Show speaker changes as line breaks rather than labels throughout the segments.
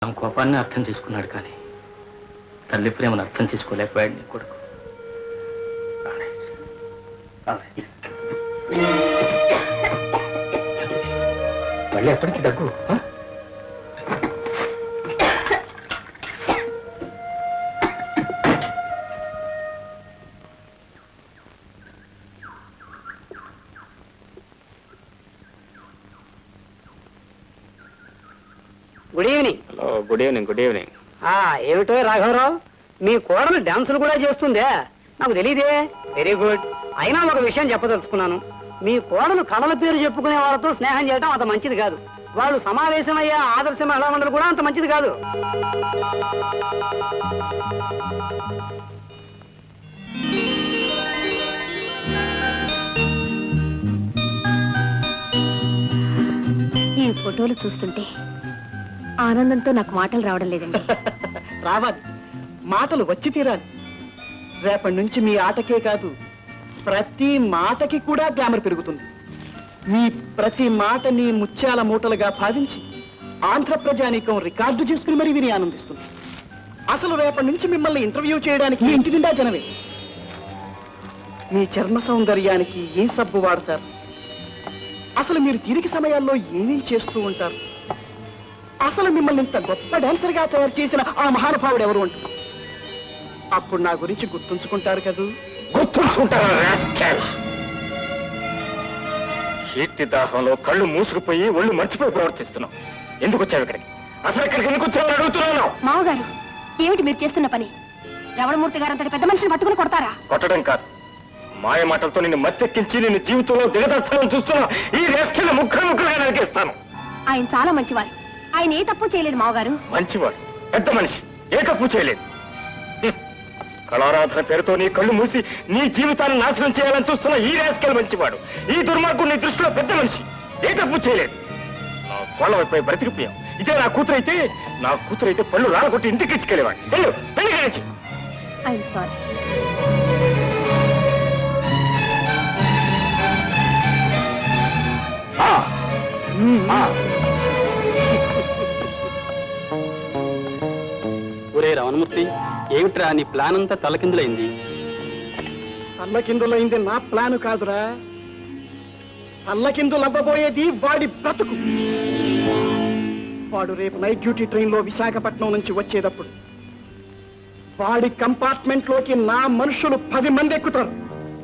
ఆమె కోపాన్ని అర్థం చేసుకున్నాడు, కానీ తల్లి ప్రేమను అర్థం చేసుకోలేకపోయాడు నీ కొడుకు. మళ్ళీ ఎప్పటికీ దగ్గు?
Good evening.
Hello, good evening. Good evening.
ఏమిటో రాఘవరావు, మీ కోడలు డాన్సులు కూడా చేస్తుందే? నాకు తెలియదే. Very good. అయినా ఒక విషయం చెప్పదలుచుకున్నాను. మీ కోడలు కళల పేరు చెప్పుకునే వాళ్ళతో స్నేహం చేయడం అంత మంచిది కాదు. వాళ్ళు సమావేశమయ్యే ఆదర్శ మహిళా మండలి కూడా అంత మంచిది కాదు.
ఈ ఫోటోలు చూస్తుంటే ఆనందంతో నాకు మాటలు రావడం లేదండి.
రావాలి, మాటలు వచ్చి తీరాలి. రేపటి నుంచి మీ ఆటకే కాదు, ప్రతి మాటకి కూడా గ్లామర్ పెరుగుతుంది. మీ ప్రతి మాటని ముత్యాల మూటలుగా భావించి ఆంధ్ర ప్రజానీకం రికార్డు చేసుకుని మరీ విని ఆనందిస్తుంది. అసలు రేపటి నుంచి మిమ్మల్ని ఇంటర్వ్యూ చేయడానికి మీ ఇంటి నిండా జనమే. మీ చర్మ సౌందర్యానికి ఏ సబ్బు వాడతారు, అసలు మీరు తీరిక సమయాల్లో ఏమేం చేస్తూ ఉంటారు, అసలు మిమ్మల్ని ఇంత గొప్ప డాన్సర్ గా తయారు చేసిన ఆ మహానుభావుడు ఎవరు అంటారు. అప్పుడు నా గురించి గుర్తుంచుకుంటారు కదూ?
గుర్తుంచుకుంటారా? కీర్తి దాహంలో కళ్ళు మూసుకుపోయి ఒళ్ళు మర్చిపోయి ప్రవర్తిస్తున్నావు. ఎందుకు వచ్చావు ఇక్కడికి? అసలు ఇక్కడికి ఎందుకు వచ్చావు అడుగుతున్నాను.
మామగారు, ఏమిటి మీరు చేస్తున్న పని? రమణమూర్తి గారు అంతటి పెద్ద మనిషిని పట్టుకుని కొడతారా?
కొట్టడం కాదు, మాయ మాటలతో నిన్ను మత్తెక్కించి నిన్ను జీవితంలో దిగదర్చాలని చూస్తున్నా ఈ రేస్కెళ్ళ ముక్కలుగా నరికేస్తాను.
ఆయన చాలా మంచివారు. ఆయన ఏ తప్పు చేయలేదు మామగారు.
మంచివాడు, పెద్ద మనిషి, ఏ తప్పు చేయలేదు. కళారాధన పేరుతో నీ కళ్ళు మూసి నీ జీవితాన్ని నాశనం చేయాలని చూస్తున్న ఈ రేస్కెల్ మంచివాడు. ఈ దుర్మార్గుడు నీ దృష్టిలో పెద్ద మనిషి, ఏ తప్పు చేయలేదు. నా కోళ్ళ వైపు బ్రతికిపోయాం. ఇదే నా కూతురైతే పళ్ళు రాలగొట్టి ఇంటికి ఇచ్చుకెళ్ళేవాడు. వెళ్ళు, వెళ్ళి కానిచ్చి.
I'm sorry.
ఒరే రమణమూర్తి, ఏమిట్రా నీ ప్లాన్ అంతా తలకిందులైంది?
తల్లకిందులైంది నా ప్లాను కాదురా, తల్లకిందులవ్వబోయేది వాడి బ్రతుకు. వాడు రేపు నైట్ డ్యూటీ ట్రైన్లో విశాఖపట్నం నుంచి వచ్చేటప్పుడు వాడి కంపార్ట్మెంట్ లోకి నా మనుషులు 10 మంది ఎక్కుతారు.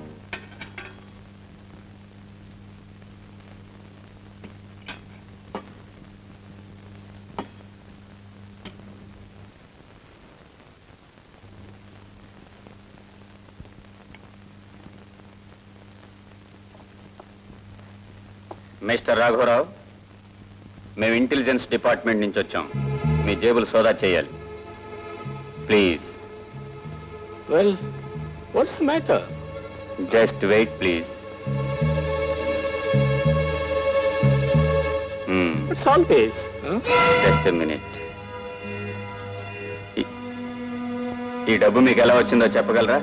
మిస్టర్ రాఘవరావు, మేము ఇంటెలిజెన్స్ డిపార్ట్మెంట్ నుంచి వచ్చాం. మీ జేబులు సోదా చేయాలి, please.
Well, what's the matter?
Just wait please.
It's all pace.
Just a minute. ఈ డబ్బు మీకు ఎలా వచ్చిందో చెప్పగలరా?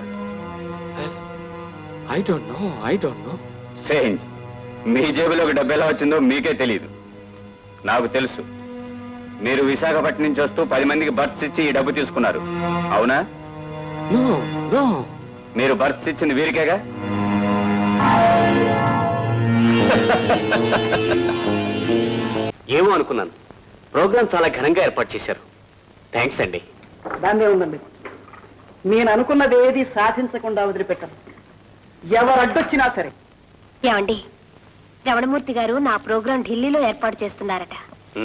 I don't know.
స్ట్రేంజ్. మీ జేబులోకి డబ్బు ఎలా వచ్చిందో మీకే తెలియదు. నాకు తెలుసు. మీరు విశాఖపట్నం నుంచి వస్తూ 10 మందికి బర్త్స్ ఇచ్చి ఈ డబ్బు తీసుకున్నారు, అవునా? మీరు బర్త్స్ ఇచ్చింది వీరికేగా?
ఏమో అనుకున్నాను. ప్రోగ్రాం చాలా ఘనంగా ఏర్పాటు చేశారు. థ్యాంక్స్ అండి.
దాన్నే ఉందండి. నేను అనుకున్నది ఏది సాధించకుండా వదిలిపెట్టను, ఎవరు అడ్డొచ్చినా సరే.
ఏమండి, రమణమూర్తి గారు నా ప్రోగ్రాం ఢిల్లీలో ఏర్పాటు చేస్తున్నారట.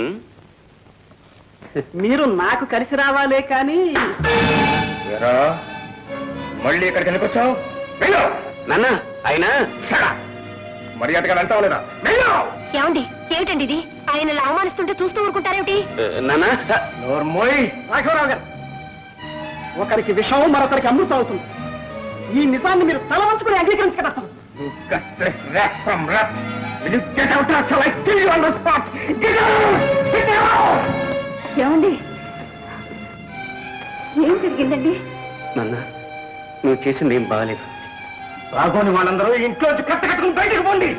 మీరు నాకు కలిసి రావాలే కానీ.
మళ్ళీ ఇక్కడికి ఎందుకు వచ్చావు?
నాన్న, ఆయన
మర్యాదగా వెళ్తావు లేదా?
ఏమండి, ఏమిటండి ఇది? ఆయన అవమానిస్తుంటే చూస్తూ ఊరుకుంటారేమిటి?
నాన్న,
రాఘవరావు గారు, ఒకరికి విషం మరొకరికి అమృతం అవుతుంది. ఈ నిజాన్ని మీరు తల వంచుకుని అంగీకరించగలరు.
ఏమండి, ఏం జరిగిందండి?
నాన్న, నువ్వు చేసింది ఏం బాగాలేదు.
రాఘోని వాళ్ళందరూ ఇంట్లోంచి కట్టుకుని బయటకు పోండి.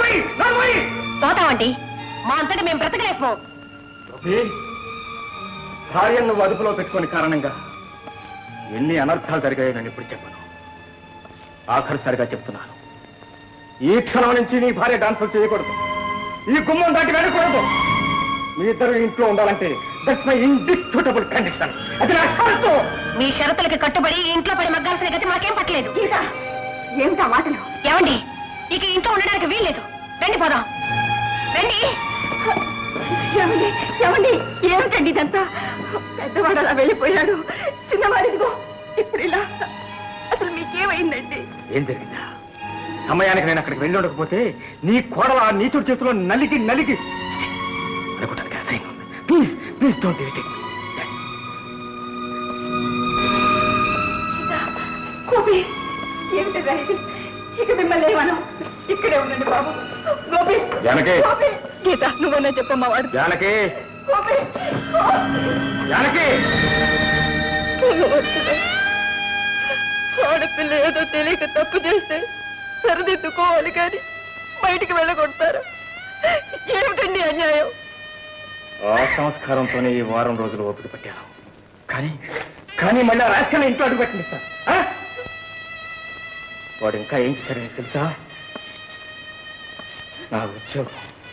పోతామండి, మా అంతటా మేము బ్రతకలేకపో.
భార్యను నువ్వు అదుపులో పెట్టుకుని కారణంగా ఎన్ని అనర్థాలు జరిగాయో నేను ఇప్పుడు చెప్పను. ఆఖరిసారిగా చెప్తున్నాను, ఈ క్షణం నుంచి నీ భార్య డాన్సులు చేయకూడదు, ఈ గుమ్మం దాటి వెళ్ళకూడదు. మీ ఇద్దరు ఇంట్లో ఉండాలంటే దట్స్ మై ఇండిస్ప్యూటబుల్ కండిషన్. అది నా షరతు.
మీ షరతులకి కట్టుబడి ఈ ఇంట్లో పడి మగ్గాల్సిన గతి మాకేం పట్టలేదు. ఏమిటా మాటలు? ఏమండి, ఇక ఇంట్లో ఉండడానికి వీల్లేదు. రండి పోదాం, రండి. ఏమండి ఏమండి, ఏమిటండి ఇదంతా? పెద్దవాడు అలా వెళ్ళిపోయాడు, చిన్నవాడిదిగో ఇప్పుడు ఇలా. అసలు మీకేమైందండి?
ఏం జరిగిందా? సమయానికి నేను అక్కడికి వెళ్ళి ఉండకపోతే నీ కోడల ఆ నీచుడి చేతిలో నలిగి నలిగి అనుకోవడానికి అసహ్యంగా ఉంది. Please please don't irritate me.
Gopi, ఏమిటిదా ఇది? ఇక మిమ్మల్ని ఏమను, ఇక్కడే ఉండండి బాబు. గోపి,
జానకి.
గోపి, గీత నువ్వన్నా చెప్పమ్మా. వాడు
జానకి,
గోపి,
జానకి.
ఆడపిల్ల ఏదో తెలియక తప్పు చేస్తే సరిదిద్దుకోవాలి కానీ బయటికి వెళ్ళగొడతారు. ఏమిటండి అన్యాయం?
ఆ సంస్కారంతోనే ఈ వారం రోజులు ఓపిక పట్టాను. కానీ మళ్ళీ ఆ రాజకీయ ఇంట్లో అడుగు పెట్టండి సార్. వాడు ఇంకా ఏం చేశారని తెలుసా? నా ఉద్యోగం